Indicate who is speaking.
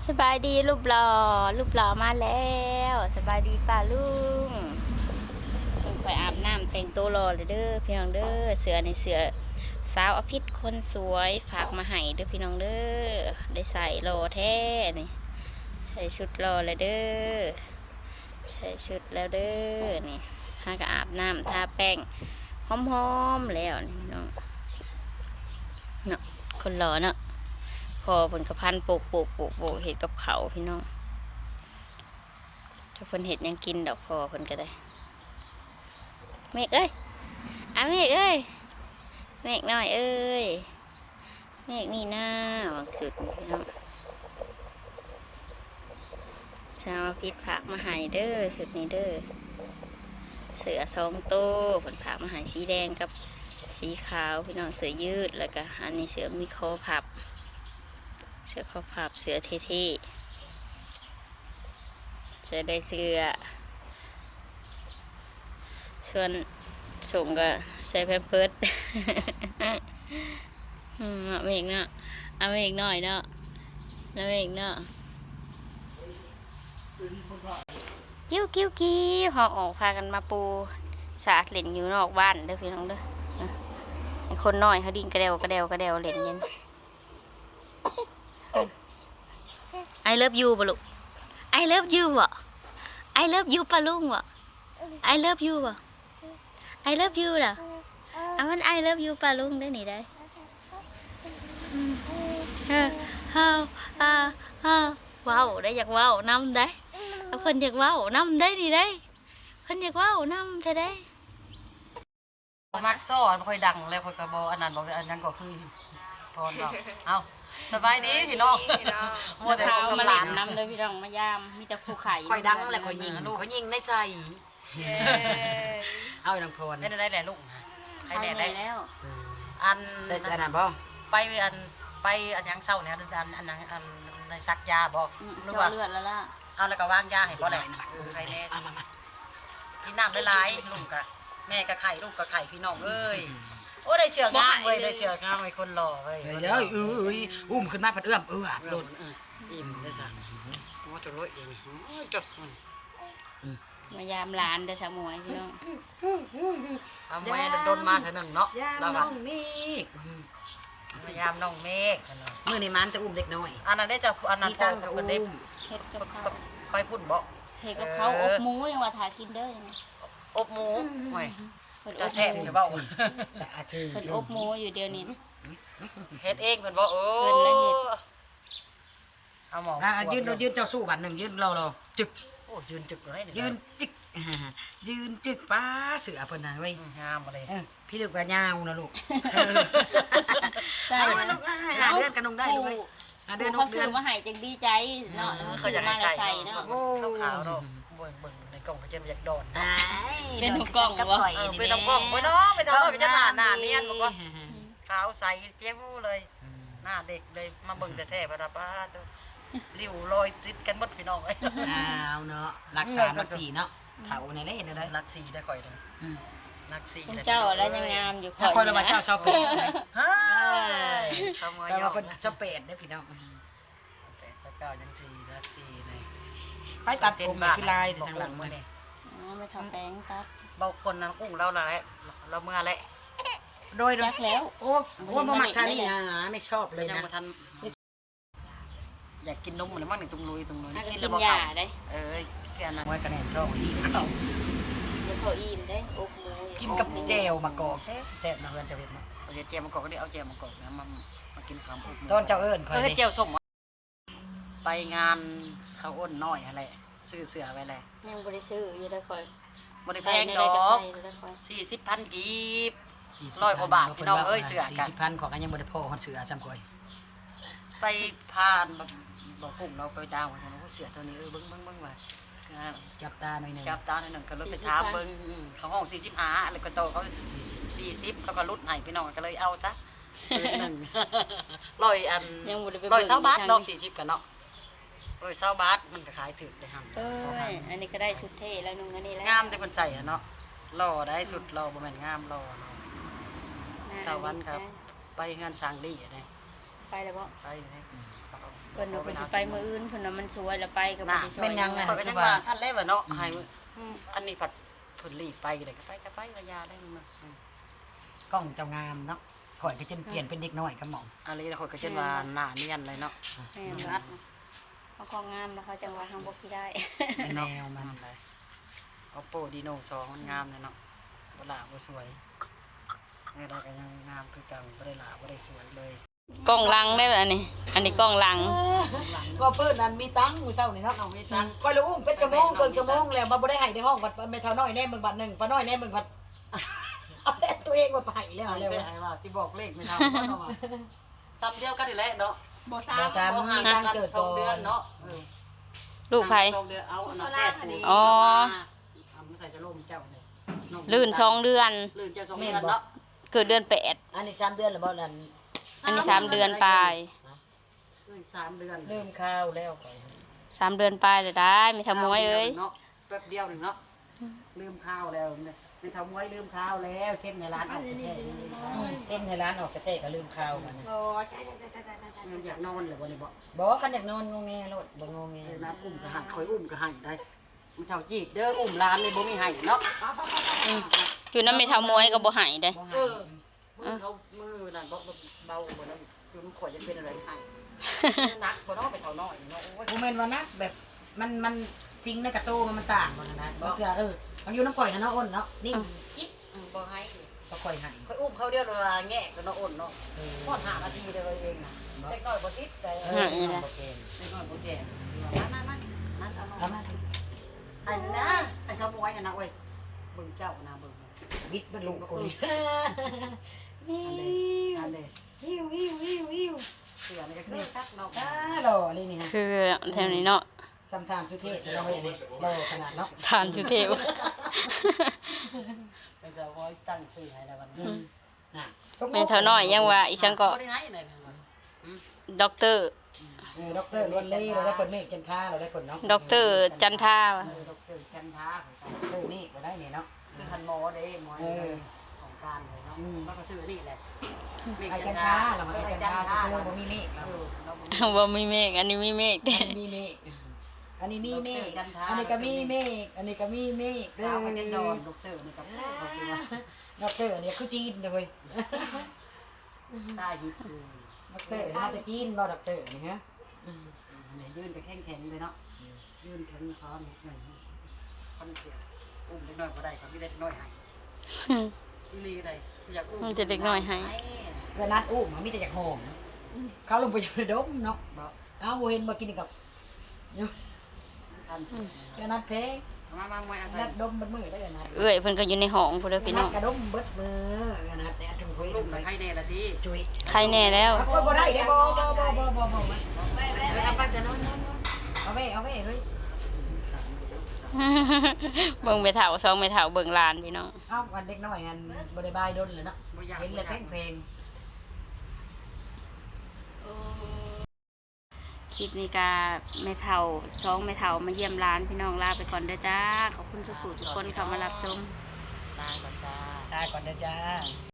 Speaker 1: สบายดีรูปหล่อมาแล้วสบายดีป้าลุงไปอาบน้ำแต่งตัวรอเลยเด้อพี่น้องเด้อเสือในเสือสาวอภิษคนสวยฝากมาให้เด้อพี่น้องเด้อได้ใส่รอแท้นี่ใส่ชุดรอเลยเด้อใส่ชุดแล้วเด้อนี่ถ้าก็อาบน้ำทาแป้งหอมๆแล้วนี่พี่น้องเนาะคนหล่อเนาะพอผลกระพันโปกเห็ดกับเขาพี่น้องถ้าเพิ่นเห็ดยังกินดอกพอเพิ่นก็ได้เมฆเอ้ยเมฆเอ้ยเมฆหน่อยเอ้ยเมฆนี่หน้าหวังสุดพี่น้องชาวพิษผักมาหายเด้อสุดนี้เด้อเสือ2 ตัวผลผักมาหายสีแดงกับสีขาวพี่น้องเสือยืดแล้วก็อันนี้เสือมีคอพับเสือคอพับเสือเท่ๆเสือได้เสือส่วนส่งก็ใช้แพมเพิร์สเอาเมฆเนาะเอาเมฆหน่อยเนาะเอาเมฆเนาะกิ้วหอออกพากันมาปูสาดเล่นอยู่นอกบ้านเด้อพี่น้องเด้อคนน้อยเขาดิ้นกระเดวเล่นเย็นI love you บ่ลูก I love you บ่ I love you ปะลุงบ่ I love you บ่ I love you ล่ะมัน I love you ปะลุงได้นี่ได้ว้าวได้อยากว้าวนำได้เพิ่นอยากว้าวนำได้นี่ได้เพิ่นอยากว้าวนำแท้ได้
Speaker 2: มักซ้อนค่อยดังแล้วค่อยกระบออันนั้นบอกอันนั้นก็คือพรดอกเอาสบายดีพี่น้อง
Speaker 1: มัวเช้ามาเล่นน้ำเลยพี่น้องมายามมีแต่ภูไข่
Speaker 2: ค่อยดังแล้วค่อยยิงลูกเขายิงในใจเอาดังพรได้แหละลูกใครแหละได้แล้วอันใส่อันนั้นบ่ไปอันยังเศร้าเนี่ยอันนั้นอันในซักยาบ่หรือว่า
Speaker 1: เลือดแล้วล่ะ
Speaker 2: เอาแล้วก็วางยาให้บ่แหละใครแน่กินน้ำหลายๆลูกกะแม่กับไข่ลูกกับไข่พี่น้องเอ้ยโอ้ได้เชือกงามเว้ยได้เชือกงามไอ้คนหล่อเว้ยเดี๋ยวอุ้มขึ้นมาผัดเอื้อมโดนอิ่มได้สั่งว่าจะลอยเองจบ
Speaker 1: มายามหลานเด้อสาวมวยพี่น้อง
Speaker 2: เอาแม่โดนมาเถอะหนึ่งเนาะยามน้องเมฆมายามน้องเมฆมือในมันจะอุ้มเด็กน้อยอันนั้นได้จะอันนั้นตั้งกับเด็ก
Speaker 1: เฮ็ดกับเขา
Speaker 2: ไปพุ่นบ่
Speaker 1: เฮ็ดกับเขาอบหมูยังว่าถ่ากินเด้อ
Speaker 2: อบหมูโอ้ยจะแซ่บใช่เปล่าเ
Speaker 1: พิ่นอบหมูอยู่เดี๋ยวนี้
Speaker 2: เฮ็ดเองเพิ่นบ่โอ้เอาหมอยืนเจ้าสู้บัดหนึ่งยืนเราจึกโอ้ยืนจึกอะไรยืนจึกป้าเสือเพิ่นน่ะเว้ยงามอะไรพี่ลูกก็ยาวนะลูก
Speaker 1: ใช่
Speaker 2: ลูกหาเดือนกันนงได้ด้วย
Speaker 1: เดือน6 เดือนมาให้จังดีใจเนาะ
Speaker 2: เขาอยากให้ใส่เนาะขาวๆเนาะเบิ่งในกล่องก็จะอยากโดน
Speaker 1: เป็นกล่องบ่
Speaker 2: เป็นกล่องบ่เนาะไปทำก็จะหน้าเนียนบ่ก็ขาวใสเจ๊มูเลยหน้าเด็กเลยมาเบิ่งแต่แท้ๆบ่ล่ะป้าริ้วรอยติดกันหมดพี่น้องเอ้ยเอาเนาะรัก3รัก4เนาะเฒ่าในได้เห็นได้รัก4ได้ข่อยเด้อรัก4
Speaker 1: เจ้าแล้วยังงามอยู่
Speaker 2: ข่อยว่าเจ้าชาวเป็ดเฮ้ยชาวมอยว่าเพิ่นชาวเป็ดได้พี่น้องเป็ดเจ้ายัง4รัก4นี่ไปตัดผมคือลายทางหลังมื้อนี้
Speaker 1: ไม่ทำแป้งตัด
Speaker 2: เบาคนน้ำกุ้งเราละเราเมื่อไรโดย
Speaker 1: แล้ว
Speaker 2: โอ้บ่มักทานนี่นะไม่ชอบเลยนะอยากกินนมเหมือนมั่งหนึ่งตรงลุย
Speaker 1: กินแล้วยาได้
Speaker 2: แค่นั้นไว้กระแนนท้องอีกเขา
Speaker 1: แล้วเขาอิ่มได้อบหมู
Speaker 2: กินกับแจวมะกอกแซ่บนะเพื่อนจะเห็นมั้ยเอาแจวมะกอกก็ได้เอาแจวมะกอกนะมากินความอบต้นเจ้าเอิญเคยแจวส้มไปงานเช้าอ้นน้อยอะไรซื้อเสือไว้แหละ
Speaker 1: ยังบริซื้ออยู่ได้คอย
Speaker 2: บริแพงดอก40,000 กีบ100 กว่าบาทพี่น้องเอ้ยเสือกัน40,000ของกันยังบริโภคเสือซ้ำก่อยไปผ่านบอกกลุ่มเราไปดาวกันว่าเสือตัวนี้เบิ้งว่าจับตาหน่อยหนึ่งก็เลยไปถามเบิ้งเขาห้อง45อะไรก็โตเขา40เขาก็รุดให้พี่น้องก็เลยเอาจ้ะ100 บาทน้อง40กันเนาะ100 บาทมันก็ขายถึกเลยครับ
Speaker 1: อันนี้ก็ได้ชุดเท่แล้วนุ่งอันนี้แล้ว
Speaker 2: งามแต่คนใส่เนาะหล่อได้สุดหล่อบ่แม่นงามหล่อตะวันครับไปงานสร้างดีอะไร
Speaker 1: ไปแล้วบ่
Speaker 2: ไป
Speaker 1: เพิ่นว่าเพิ่นสิไปมื้ออื่นเพิ่นว่ามันสวยแล้วไปก็บ่ได้ช่วย
Speaker 2: เป็นยังไงก็ยังว่าท่านแล้วเนาะให้อันนี้ผัดเพิ่นรีบไปเลยก็ไปว่ายาได้มันกล้องเจ้างามเนาะข่อยก็จนเปลี่ยนเป็นเด็กน้อยกับหม่อมอะไรแล้วข่อยก็จนว่าหน้าเนียนเลยเนาะ
Speaker 1: แม่นรัดเขาก็งามแล้วเขาจังว่าทางบ่คิดได้
Speaker 2: แนวมันเลย Oppo Reno 2มันงามเลยเนาะบ่หลาบ่สวยได้ก็ยังงามคือเก่าบ่ได้หลาบ่ได้สวยเลย
Speaker 1: กล้องหลังได้อันนี้กล้องหลัง
Speaker 3: ก็เพิ่นนั่นมีตังค์มื้อเช้านี่เนาะ
Speaker 2: เอามีตังค์
Speaker 3: ก็เลยอุ้มเป็นชั่วโมงเกินชั่วโมงแล้วบ่ได้ให้ในห้องบัดแม่เฒ่าน้อยแน่มึงบัดหนึงป้าน้อยแน่มึงบัดเอาแต่ตัวเองมาไปแล้ว
Speaker 2: เอา
Speaker 3: แล้ว
Speaker 2: เลยว่าสิบอกเลขไม่เท่าเนาะว่าซ้ำเดียวกันนี่แหละเนาะ
Speaker 3: บ่ซ้ำ
Speaker 2: บ่ห่างกัน2เดือนเนาะ
Speaker 1: ลูกไผ
Speaker 2: 2เดือนเอาอันนั้นแรก
Speaker 1: อ๋อ
Speaker 2: เอามาใส่จะล่มเจ้าเนี่ย
Speaker 1: ลื่น2 เดือน
Speaker 2: ลื่นเจ้า2เดือนเนาะ
Speaker 1: เกิดเดือน
Speaker 3: อันนี้3เดือนแล้วบ่นั่น
Speaker 1: 8อันนี้3 เดือนปลาย
Speaker 2: 3เดือน
Speaker 3: ลืมข้าวแล้วก่อน
Speaker 1: 3 เดือนปลายจะได้มีทำมวยเอ้ย
Speaker 2: เนาะแป๊บเดียวนึงเนาะลืมข้าวแล้วไม่ทำมวยลืมข้าวแล้วเส้นในร้านออกแท้
Speaker 3: เส้นให้ร้านออกกระเตะก็ลืมข้าวมัน
Speaker 2: อยากนอนเลยบ่นี่บ่
Speaker 3: บ่คันอยากนอนงงแงโลดบ่งงแง
Speaker 2: น้ำอุ้มก็ให้คอยอุ้มก็ให้ได้มันเท่าจีบเด้ออุ้มร้านนี่บ่มีให้เนาะ
Speaker 1: อยู่นำไม่ทำมวยก็บ่ใหายเด้
Speaker 2: มือเขามือนั่นบ่เบาบ่แล้วอยู่มันข่อยจะเป็นอะไรให้นักบ่เนาะไปเท่าน้อยเนาะโอ้ย
Speaker 3: บ่แม่นว่านะแบบมันจริงในกระโตมันต่างกันนะบ่เทื่อมันอยู่น้ำก่อยนะเนาะอ้นเนาะนี่กิ๊บ
Speaker 2: บ่ให้
Speaker 3: บ่ค่อยให้
Speaker 2: คอยอุ้มเขาเดียวเวลาแงะก็เนาะอ้นเนาะพอด5นาทีเดียวเองน่ะเล็กน้อยบ่ติดแต่เล็กน้อยบ่แก่นั่นเอามาไอ้นะไอ้สมวยน่ะเว้ยเบิ่งเจ้านะเบิ่ง
Speaker 3: บิดบ่ลูกกูนี่
Speaker 2: อันเด้
Speaker 3: หิวหิวหิวหิว
Speaker 2: เสือนี่ก็คือคักเนาะ
Speaker 3: หล่อนี่นี่ฮะ
Speaker 1: คือแถวนี้เนาะ
Speaker 3: สัมทานสุเทพเราเห็นหล่อขนาดเนาะ
Speaker 1: ทานชุเทว
Speaker 2: ไปจะไว้ตั้งชื่อให้แล้ววันนี้
Speaker 1: แม่เท่าน้อยยังว่าอีฉันก็
Speaker 2: บ่ได้ให้เลย
Speaker 1: ด็อกเตอร์
Speaker 3: ด็อกเตอร์ล้วนเล่เราได้ผลเมฆจันทราเราได้ผลเนาะ
Speaker 1: ด็อกเตอร์จันทา
Speaker 2: ดอกเตอร์แคนทาของ
Speaker 3: เออนี่ก็ได้เนี่ยเนาะ
Speaker 2: คือคันหมอเด้หมอของการเลยเนาะแล้วก็ซื้อนี่แหละ
Speaker 3: ไอ้จันทราเรามาไอ้จันทราซื้อบ่มีเมฆเรา
Speaker 1: ว่ามีเมฆอันนี้มีเมฆแต่
Speaker 3: มีเมฆอันนี้มีเมฆอันนี้ก็มีเมฆอันนี้ก็มีเมฆ
Speaker 2: ดาวมันจะดอนดอกเตอร์นี่กับเขาคือว่า
Speaker 3: ด็อกเตอร์เนี่ยคือจีนเลย
Speaker 2: ได้ยิบคือ
Speaker 3: ด็อกเตอร์มาจากจีนบ่ด็อกเตอร์นี่ฮะ
Speaker 2: ยื่นไปแข็งๆเลยเนาะยื่นแข็งคอเนี่ยหนึ่งคนเสียอุ้มเล็กน้อยก็ได้เขาไม่ได้น้อยให้อีลีได้อยากอุ้ม
Speaker 1: มันจะเด็กน้อยให้
Speaker 3: เกิดนัดอุ้มมีแต่จากหอมเขาลงไปอยู่ในดมเนาะ
Speaker 2: บอก
Speaker 3: เอาบ่เห็นมากินกับ
Speaker 2: ทัน
Speaker 3: เกิดนัดเพง
Speaker 2: มาไม่อาศัย
Speaker 3: นัดดมบัดมือได้เกิดนัด
Speaker 1: เอ้ยเพิ่นก็อยู่ในห้องพุ่นเด้อพี่น้อง
Speaker 3: กระดมเบิดมือเกิดนัดเนี่ยจุ่มคุย
Speaker 2: ลู
Speaker 3: จุ่
Speaker 2: ก
Speaker 3: ม
Speaker 2: ไป
Speaker 3: คุย
Speaker 2: ให้แน่ละที
Speaker 3: จุย
Speaker 1: ใครแน่แล้ว
Speaker 3: เอาบ่ได้เด้บ่เอาไปซะนอนเอาไว้เฮ้ย
Speaker 1: เบิ่งไปเฒ่าซองไปเฒ่าเบิ่งหลานพี่น้อง
Speaker 3: เอาวันเด็กน้อยอันบ่ได้บายดนเลยเนาะเห็นเลยเพลง
Speaker 1: คลิปนี้ก็แม่เฒ่าซองแม่เฒ่ามาเยี่ยมหลานพี่น้องลาไปก่อนเด้อจ้าขอบคุณทุกผู้ทุกคนเข้ามารับชม
Speaker 2: ตายก่อนจ้า
Speaker 3: ตายก่อนเด้อจ้า